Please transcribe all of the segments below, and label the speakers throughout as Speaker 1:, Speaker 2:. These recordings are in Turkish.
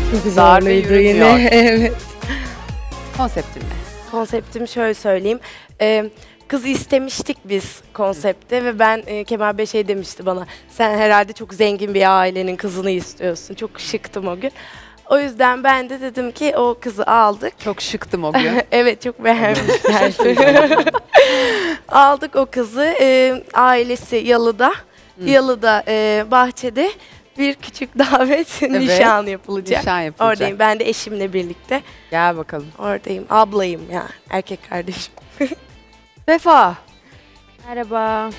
Speaker 1: Çok
Speaker 2: Darbe
Speaker 1: zorluydu
Speaker 2: yürümüyor.
Speaker 1: yine. Evet.
Speaker 2: Konseptin ne?
Speaker 3: Konseptim şöyle söyleyeyim. Kızı istemiştik biz konsepte ve ben Kemal Bey şey demişti bana. Sen herhalde çok zengin bir ailenin kızını istiyorsun. Çok şıktım o gün. O yüzden ben de dedim ki o kızı aldık.
Speaker 2: Çok şıktım o gün.
Speaker 3: Evet çok beğenmişler. Aldık o kızı. Ailesi Yalı'da. Yalı'da bahçede bir küçük davet nişan yapılacak.
Speaker 2: Nişan yapılacak.
Speaker 3: Oradayım. Ben de eşimle birlikte.
Speaker 2: Gel bakalım.
Speaker 3: Oradayım. Ablayım ya. Erkek kardeşim.
Speaker 2: Vefa.
Speaker 4: Merhaba.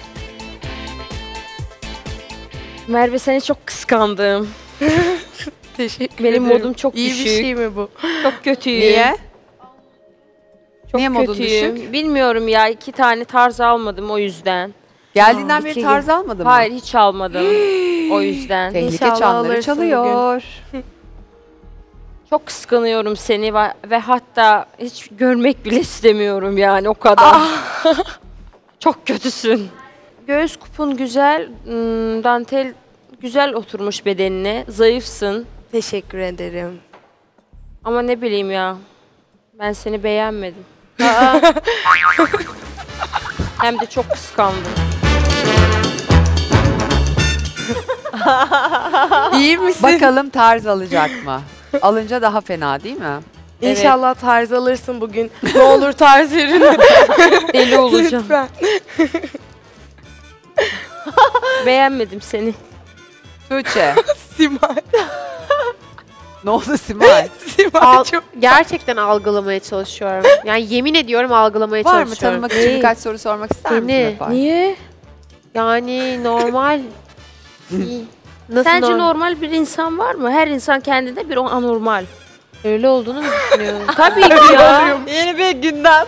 Speaker 4: Merve seni çok kıskandım.
Speaker 3: Teşekkür
Speaker 4: Benim
Speaker 3: ederim.
Speaker 4: modum çok
Speaker 3: İyi
Speaker 4: düşük.
Speaker 3: bir şey mi bu?
Speaker 4: Çok kötüyüm.
Speaker 2: Niye?
Speaker 4: Çok
Speaker 2: Niye modun
Speaker 4: kötüyüm.
Speaker 2: düşük?
Speaker 4: Bilmiyorum ya 2 tane tarz almadım o yüzden.
Speaker 2: Geldiğinden beri
Speaker 4: İki
Speaker 2: tarz
Speaker 4: gün.
Speaker 2: almadın mı?
Speaker 4: Hayır hiç almadım o yüzden.
Speaker 2: Tehlike
Speaker 3: İnşallah
Speaker 2: çanları
Speaker 3: alırsın
Speaker 2: çalıyor.
Speaker 4: Çok kıskanıyorum seni ve hatta hiç görmek bile istemiyorum yani o kadar. Çok kötüsün. Göğüs kupun güzel, dantel güzel oturmuş bedenine. Zayıfsın
Speaker 3: Teşekkür ederim.
Speaker 4: ama ne bileyim ya. Ben seni beğenmedim. Hem de çok kıskandım.
Speaker 3: İyi misin?
Speaker 2: Bakalım tarz alacak mı? Alınca daha fena değil mi?
Speaker 3: İnşallah tarz alırsın bugün. Ne olur tarz verin.
Speaker 4: Deli olacağım.
Speaker 3: Lütfen.
Speaker 4: Beğenmedim seni.
Speaker 2: Tuğçe.
Speaker 3: Simay.
Speaker 2: Ne oldu Simay?
Speaker 3: Simay çok.
Speaker 1: Gerçekten algılamaya çalışıyorum. Yani yemin ediyorum algılamaya
Speaker 2: Var mı
Speaker 1: çalışıyorum.
Speaker 2: tanımak için birkaç soru sormak ister misin
Speaker 1: Seni.
Speaker 2: Vefa?
Speaker 4: Niye?
Speaker 1: Yani normal. Nasıl
Speaker 4: Sence normal bir insan var mı? Her insan kendinde bir anormal.
Speaker 1: Öyle olduğunu mu düşünüyorsun?
Speaker 4: Tabii ki ya.
Speaker 2: Yeni bir gündem.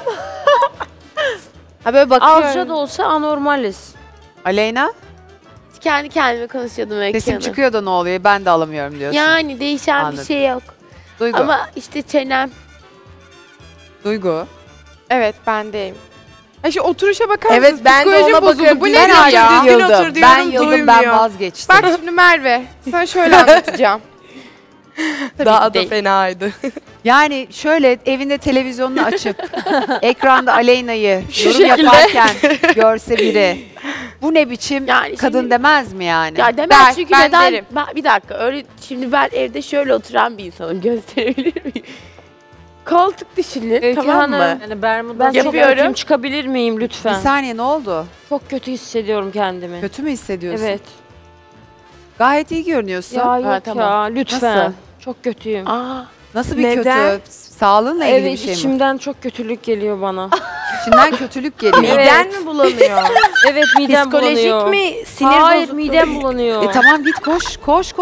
Speaker 1: Ha böyle bakıyorum.
Speaker 4: Azca da olsa anormaliz.
Speaker 2: Aleyna,
Speaker 1: Kendi kendime konuşuyordum
Speaker 2: sesim
Speaker 1: Öykü Hanım.
Speaker 2: çıkıyor da ne oluyor? Ben de alamıyorum diyorsun.
Speaker 1: Yani değişen
Speaker 2: Anladım.
Speaker 1: bir şey yok.
Speaker 2: Duygu.
Speaker 1: Ama işte çenem.
Speaker 2: Duygu.
Speaker 5: Evet bendeyim. Şu oturuşa bakar mısınız?
Speaker 3: Evet ben de
Speaker 5: Psikolojim
Speaker 3: ona
Speaker 5: bozuldu.
Speaker 3: bakıyorum.
Speaker 5: Bu
Speaker 3: Ben
Speaker 5: nedir
Speaker 3: artık
Speaker 5: ya?
Speaker 3: düzgün otur diyorum,
Speaker 2: Ben yıldım,
Speaker 3: duymuyor.
Speaker 2: ben vazgeçtim.
Speaker 5: Bak şimdi Merve, sana şöyle anlatacağım. Tabii
Speaker 3: Daha
Speaker 5: ki
Speaker 3: da
Speaker 5: değil.
Speaker 3: fenaydı.
Speaker 2: Yani şöyle evinde televizyonunu açıp ekranda Aleyna'yı yorum yaparken görse biri bu ne biçim
Speaker 1: Yani
Speaker 2: kadın
Speaker 1: şimdi-
Speaker 2: demez mi yani?
Speaker 1: Ya demez
Speaker 5: Der,
Speaker 1: çünkü
Speaker 5: ben
Speaker 1: neden?
Speaker 5: derim.
Speaker 1: Bir dakika öyle şimdi ben evde şöyle oturan bir insanım gösterebilir miyim? Koltuk düşünün
Speaker 4: Öykü
Speaker 1: tamam
Speaker 4: Hanım,
Speaker 1: mı?
Speaker 4: ben çok
Speaker 1: Yapıyorum.
Speaker 4: kötüyüm. Çıkabilir miyim
Speaker 2: Bir
Speaker 4: lütfen?
Speaker 2: saniye ne oldu?
Speaker 4: Çok kötü hissediyorum kendimi.
Speaker 2: Kötü mü hissediyorsun?
Speaker 4: Evet.
Speaker 2: Gayet iyi görünüyorsun.
Speaker 4: Ya yok
Speaker 1: tamam.
Speaker 4: ya lütfen.
Speaker 2: Nasıl?
Speaker 4: Çok kötüyüm.
Speaker 1: Aa,
Speaker 2: Nasıl bir
Speaker 3: Neden?
Speaker 2: kötü? Sağlığınla ilgili
Speaker 4: Evet
Speaker 2: bir şey mi?
Speaker 4: içimden çok kötülük geliyor bana.
Speaker 2: İçinden kötülük geliyor.
Speaker 4: Evet.
Speaker 3: Miden mi bulanıyor?
Speaker 4: Evet midem
Speaker 3: Psikolojik
Speaker 4: bulanıyor.
Speaker 3: mi? Sinir
Speaker 4: Hayır
Speaker 3: bozukluğu
Speaker 4: midem
Speaker 3: mu?
Speaker 4: bulanıyor.
Speaker 2: Tamam git koş.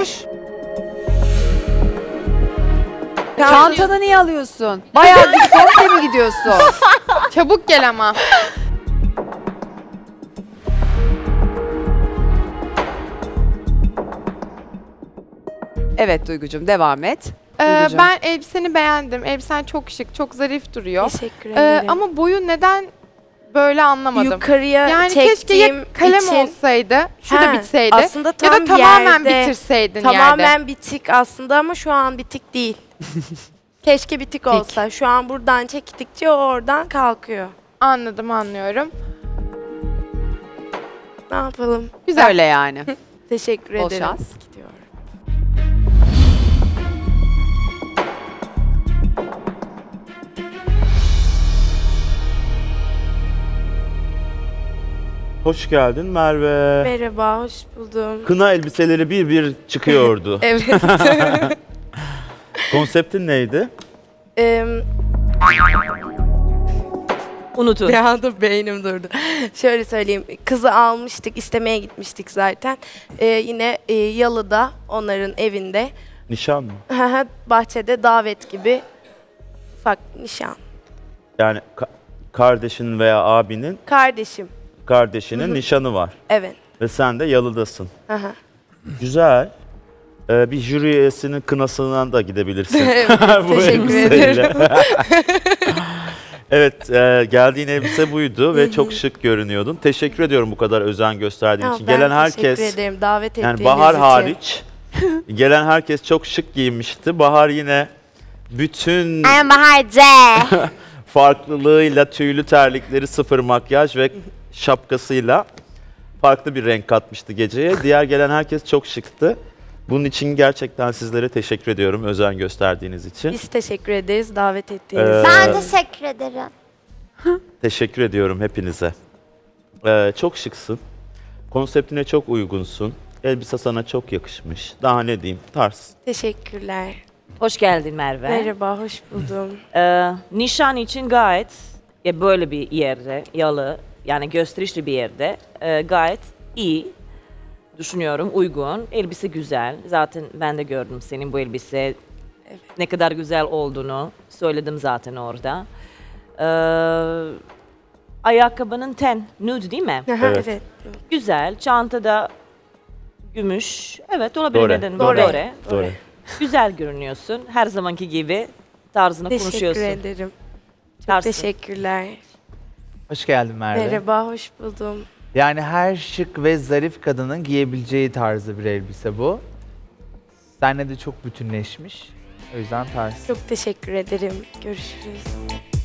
Speaker 2: Çantanı niye alıyorsun? Bayağı diskonte mi gidiyorsun?
Speaker 5: Çabuk gel ama.
Speaker 2: Evet Duygucuğum devam et. Duygucuğum.
Speaker 5: Ben elbiseni beğendim. Elbisen çok şık, çok zarif duruyor.
Speaker 3: Teşekkür ederim.
Speaker 5: Ama boyu neden böyle anlamadım.
Speaker 3: Yukarıya
Speaker 5: Yani keşke ya
Speaker 3: çektiğim
Speaker 5: kalem
Speaker 3: için
Speaker 5: olsaydı, şu da
Speaker 3: Ha,
Speaker 5: bitseydi.
Speaker 3: aslında
Speaker 5: Ya
Speaker 3: tam
Speaker 5: da tamamen
Speaker 3: yerde,
Speaker 5: bitirseydin
Speaker 3: tamamen
Speaker 5: yerde.
Speaker 3: bitik aslında ama şu an bitik değil. Keşke bitik olsa. Şu an buradan çektikçe o oradan kalkıyor.
Speaker 5: Anladım, anlıyorum.
Speaker 3: Ne yapalım?
Speaker 5: Güzel.
Speaker 2: Öyle yani.
Speaker 3: Teşekkür
Speaker 2: Bol
Speaker 3: ederim.
Speaker 2: şans.
Speaker 3: Gidiyorum.
Speaker 6: Hoş geldin Merve.
Speaker 3: Merhaba, hoş buldum.
Speaker 6: Kına elbiseleri bir bir çıkıyordu.
Speaker 3: Evet.
Speaker 6: Konseptin neydi?
Speaker 3: Unutun. Bir anda beynim durdu. Şöyle söyleyeyim. Kızı almıştık, istemeye gitmiştik zaten. Yine Yalı'da, onların evinde.
Speaker 6: Nişan mı?
Speaker 3: Bahçede davet gibi ufak nişan.
Speaker 6: Yani kardeşinin veya abinin
Speaker 3: Kardeşim.
Speaker 6: kardeşinin nişanı var.
Speaker 3: Evet.
Speaker 6: Ve sen de yalıdasın.
Speaker 3: Hı hı.
Speaker 6: Güzel. Bir jüri üyesinin kınasından da gidebilirsin.
Speaker 3: Evet,
Speaker 6: Bu
Speaker 3: teşekkür
Speaker 6: elbiseyle.
Speaker 3: ederim.
Speaker 6: Evet, geldiğin elbise buydu ve çok şık görünüyordun. Teşekkür ediyorum bu kadar özen gösterdiğin için.
Speaker 3: Ben
Speaker 6: Gelen
Speaker 3: teşekkür
Speaker 6: herkes,
Speaker 3: ederim davet ettiğiniz
Speaker 6: yani Bahar
Speaker 3: için.
Speaker 6: hariç, Gelen herkes çok şık giyinmişti. Bahar yine bütün
Speaker 7: Bahar C.
Speaker 6: farklılığıyla tüylü terlikleri, sıfır makyaj ve şapkasıyla farklı bir renk katmıştı geceye. Diğer gelen herkes çok şıktı. Bunun için gerçekten sizlere teşekkür ediyorum özen gösterdiğiniz için.
Speaker 3: Biz teşekkür ederiz davet ettiğiniz için.
Speaker 7: Ben teşekkür ederim.
Speaker 6: Teşekkür ediyorum hepinize. Çok şıksın. Konseptine çok uygunsun. Elbise sana çok yakışmış. Daha ne diyeyim? Tarz.
Speaker 3: Teşekkürler.
Speaker 8: Hoş geldin Merve.
Speaker 3: Merhaba, hoş buldum.
Speaker 8: Nişan için gayet böyle bir yerde, yalı yani gösterişli bir yerde gayet iyi düşünüyorum, uygun. Elbise güzel. Zaten ben de gördüm senin bu elbise ne kadar güzel olduğunu söyledim zaten orada. Ayakkabının ten, nude değil mi?
Speaker 6: Evet.
Speaker 3: Evet.
Speaker 8: Güzel. Çantada gümüş. Evet olabilir.
Speaker 6: Doğru.
Speaker 8: Neden?
Speaker 3: Doğru.
Speaker 6: Doğru.
Speaker 8: Güzel görünüyorsun. Her zamanki gibi tarzını
Speaker 3: Teşekkür
Speaker 8: konuşuyorsun.
Speaker 3: ederim. Çok
Speaker 8: Tarzın.
Speaker 3: teşekkürler.
Speaker 9: Hoş geldin Merve.
Speaker 3: Merhaba, hoş buldum.
Speaker 9: Yani her şık ve zarif kadının giyebileceği tarzda bir elbise bu. Seninle de çok bütünleşmiş. O yüzden tarz.
Speaker 3: Çok teşekkür ederim. Görüşürüz.